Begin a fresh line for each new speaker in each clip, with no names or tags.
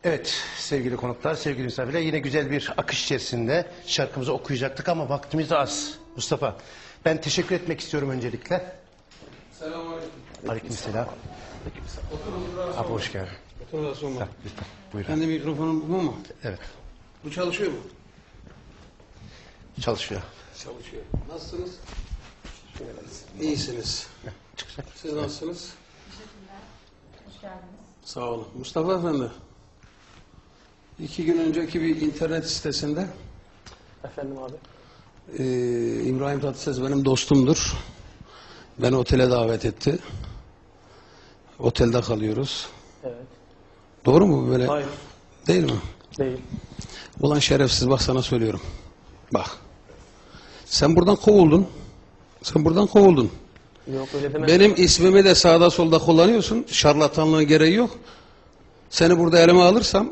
Evet sevgili konuklar, sevgili misafirler, yine güzel bir akış içerisinde şarkımızı okuyacaktık ama vaktimiz az. Mustafa, ben teşekkür etmek istiyorum öncelikle.
Selamünaleyküm.
Aleykümselam. Abi hoş geldin.
Otur da sorma.
Lütfen buyurun.
Kendi mikrofonum bu mu?
Evet,
Bu çalışıyor mu?
çalışıyor.
Çalışıyor. Nasılsınız? İyisiniz.
Çıkacak.
Siz nasılsınız?
Hoş geldiniz.
Sağ olun. Mustafa Efendi. 2 gün önceki bir internet sitesinde
Efendim abi.
İbrahim Tatlıses benim dostumdur. Beni otele davet etti. Otelde kalıyoruz.
Evet.
Doğru mu böyle?
Hayır.
Değil mi?
Değil.
Ulan şerefsiz, bak sana söylüyorum. Bak. Sen buradan kovuldun. Sen buradan kovuldun.
Yok öyle deme.
Benim ismimi de sağda solda kullanıyorsun. Şarlatanlığın gereği yok. Seni burada elime alırsam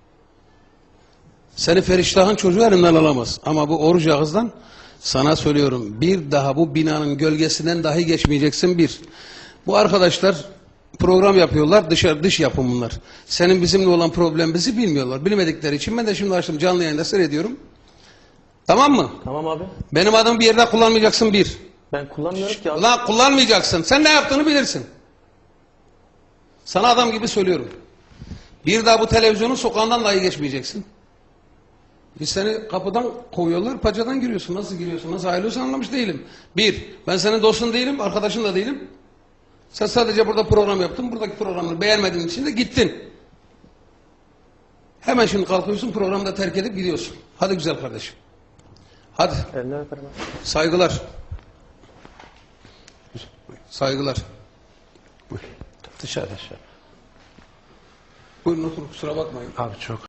seni Feriştah'ın çocuğu elimden alamaz. Ama bu oruç ağızdan sana söylüyorum. Bir daha bu binanın gölgesinden dahi geçmeyeceksin bir. Bu arkadaşlar program yapıyorlar. Dış yapım bunlar. Senin bizimle olan problemimizi bilmiyorlar. Bilmedikleri için ben de şimdi açtım canlı yayında seyrediyorum. Tamam mı?
Tamam abi.
Benim adımı bir yerde kullanmayacaksın bir.
Ben kullanmıyorum ki abi.
Ulan kullanmayacaksın. Sen ne yaptığını bilirsin. Sana adam gibi söylüyorum. Bir daha bu televizyonun sokağından dahi geçmeyeceksin. Biz seni kapıdan kovuyorlar, paçadan giriyorsun. Nasıl giriyorsun, nasıl ayrılıyorsun anlamış değilim. Bir, ben senin dostun değilim, arkadaşın da değilim. Sen sadece burada program yaptın, buradaki programını beğenmediğin için de gittin. Hemen şimdi kalkıyorsun, programı da terk edip gidiyorsun. Hadi güzel kardeşim. Hadi.
Elinden öperim abi.
Saygılar. Saygılar.
Dışarıda.
Buyurun oturun, kusura bakmayın.
Abi çok